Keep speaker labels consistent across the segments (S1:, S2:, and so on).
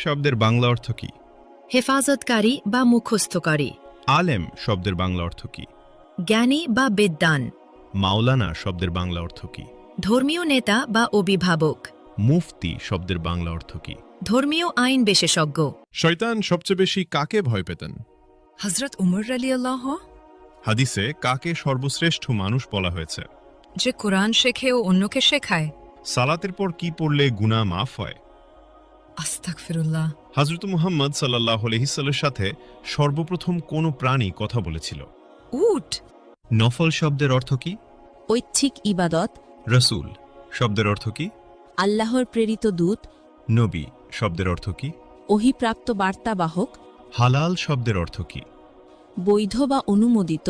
S1: শব্দের বাংলা অর্থ কি?
S2: হেফাজতকারী বা মুখস্থকারী।
S1: আলেম শব্দের বাংলা অর্থ কি?
S2: জ্ঞানী বা বিদ্বান।
S1: মাওলানা শব্দের বাংলা অর্থ কি?
S2: ধর্মীয় নেতা বা অভিভাবক।
S1: মুফতি শব্দের বাংলা অর্থ কি?
S2: ধর্মীয় আইন বিশেষজ্ঞ।
S3: শয়তান সবচেয়ে বেশি কাকে ভয় পেতেন?
S4: হযরত উমর রাদিয়াল্লাহু,
S1: হাদিসে কাকে সর্বশ্রেষ্ঠ মানুষ বলা হয়েছে?
S4: যে কোরআন শেখে ও অন্যকে শেখায়।
S1: সালাতের পর কি পড়লে গুনাহ মাফ হয়?
S4: আস্তাগফিরুল্লাহ।
S1: হযরত মুহাম্মদ সাল্লাল্লাহু আলাইহি সাল্লামের সাথে সর্বপ্রথম কোন প্রাণী কথা বলেছিল?
S4: উট।
S1: নফল শব্দের অর্থ কি?
S5: ঐচ্ছিক ইবাদত।
S1: রাসূল শব্দের অর্থ কি?
S5: আল্লাহর প্রেরিত দূত।
S1: নবী শব্দের অর্থ কি?
S5: ওহীপ্রাপ্ত বার্তাবাহক।
S1: হালাল শব্দের অর্থ কি?
S5: বৈধ বা অনুমোদিত।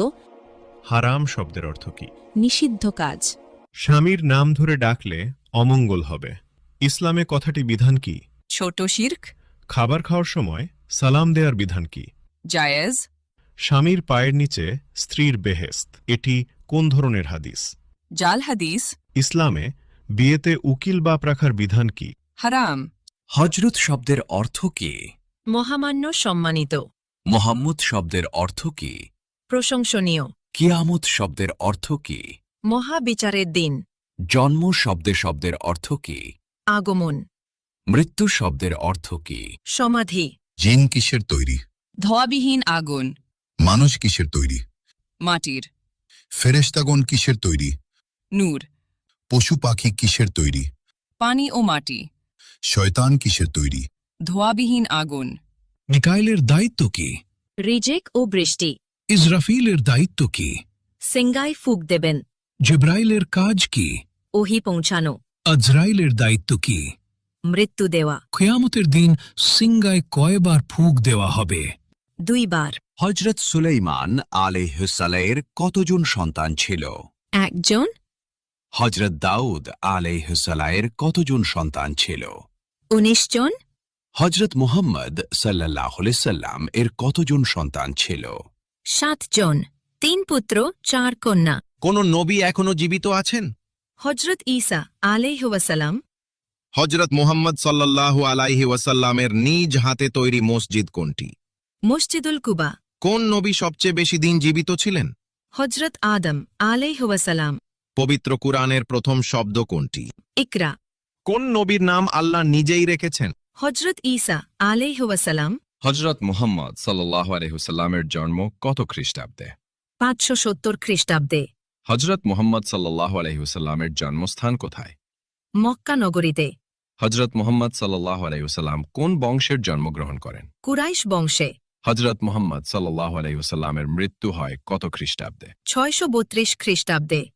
S1: হারাম শব্দের অর্থ কি?
S5: নিষিদ্ধ কাজ।
S1: স্বামীর নাম ধরে ডাকলে অমঙ্গল হবে। ইসলামে কথাটি বিধান কি?
S4: ছোট শিরক।
S1: খাবার খাওয়ার সময় সালাম দেওয়ার বিধান কি?
S4: জায়েজ।
S1: স্বামীর পায়ের নিচে স্ত্রীর বেহেশত, এটি কোন ধরনের হাদিস?
S4: জাল হাদিস।
S1: ইসলামে বিয়েতে উকিল বাপ রাখার বিধান কি?
S4: হারাম।
S6: হজরত শব্দের অর্থ কি?
S2: মহামান্য সম্মানিত।
S6: মোহাম্মদ শব্দের অর্থ কি?
S2: প্রশংসনীয়।
S6: কিয়ামত শব্দের অর্থ কি?
S2: মহাবিচারের দিন।
S6: জন্ম শব্দের অর্থ কি?
S2: আগমন।
S6: মৃত্যু শব্দের অর্থ কি?
S2: সমাধি।
S7: জিন কিসের তৈরি?
S4: ধোয়াবিহীন আগুন।
S7: মানুষ কিসের তৈরি?
S4: মাটির।
S7: ফেরেশতাগণ কিসের তৈরি?
S4: নূর।
S7: পশু পাখি কিসের তৈরি?
S4: পানি ও মাটি।
S7: শয়তান কিসের তৈরি?
S4: ধোয়াবিহীন আগুন।
S8: মিকাইলের দায়িত্ব কি?
S2: রিজেক ও বৃষ্টি।
S8: ইসরাফিলের দায়িত্ব কি?
S2: সিঙ্গায় ফুক দেবেন।
S8: জিব্রাইলের কাজ কি?
S2: ওহী পৌঁছানো।
S8: আজরাইলের দায়িত্ব কি?
S2: মৃত্যু দেওয়া।
S8: কিয়ামতের দিন সিঙ্গায় কয়বার ফুক দেওয়া হবে?
S2: 2 বার।
S6: হজরত সুলাইমান আলাইহিসসালামের কতজন সন্তান ছিল?
S2: 1 জন।
S6: হজরত দাউদ আলাইহিসসালামের কতজন সন্তান ছিল?
S2: 19 জন।
S6: হজরত মুহাম্মদ সাল্লাল্লাহু আলাইহি সাল্লাম এর কতজন সন্তান ছিল?
S2: 7 জন। 3 পুত্র 4 কন্যা।
S9: কোন নবী এখনো জীবিত আছেন?
S2: হজরত ঈসা আলাইহি ওয়াসাল্লাম।
S9: হজরত মুহাম্মদ সাল্লাল্লাহু আলাইহি ওয়াসাল্লামের নিজ হাতে তৈরি মসজিদ কোনটি?
S2: মসজিদুল কুবা।
S9: কোন নবী সবচেয়ে বেশি দিন জীবিত ছিলেন?
S2: হজরত আদম আলাইহি ওয়াসাল্লাম।
S9: পবিত্র কুরআনের প্রথম শব্দ কোনটি?
S2: ইকরা।
S9: কোন নবীর নাম আল্লাহ নিজেই রেখেছেন?
S2: হজরত ঈসা আলাইহি ওয়াসাল্লাম।
S3: হজরত মুহাম্মদ সাল্লাল্লাহু আলাইহি ওয়াসাল্লামের জন্ম কত খ্রিস্টাব্দে?
S2: 570 খ্রিস্টাব্দে।
S3: হজরত মুহাম্মদ সাল্লাল্লাহু আলাইহি ওয়াসাল্লামের জন্মস্থান কোথায়?
S2: মক্কা নগরীতে।
S3: হজরত মুহাম্মদ সাল্লাল্লাহু আলাইহি ওয়াসাল্লাম কোন বংশের জন্মগ্রহণ করেন?
S2: কুরাইশ বংশে।
S3: হজরত মুহাম্মদ সাল্লাল্লাহু আলাইহি ওয়াসাল্লামের মৃত্যু হয় কত খ্রিস্টাব্দে?
S2: 632 খ্রিস্টাব্দে।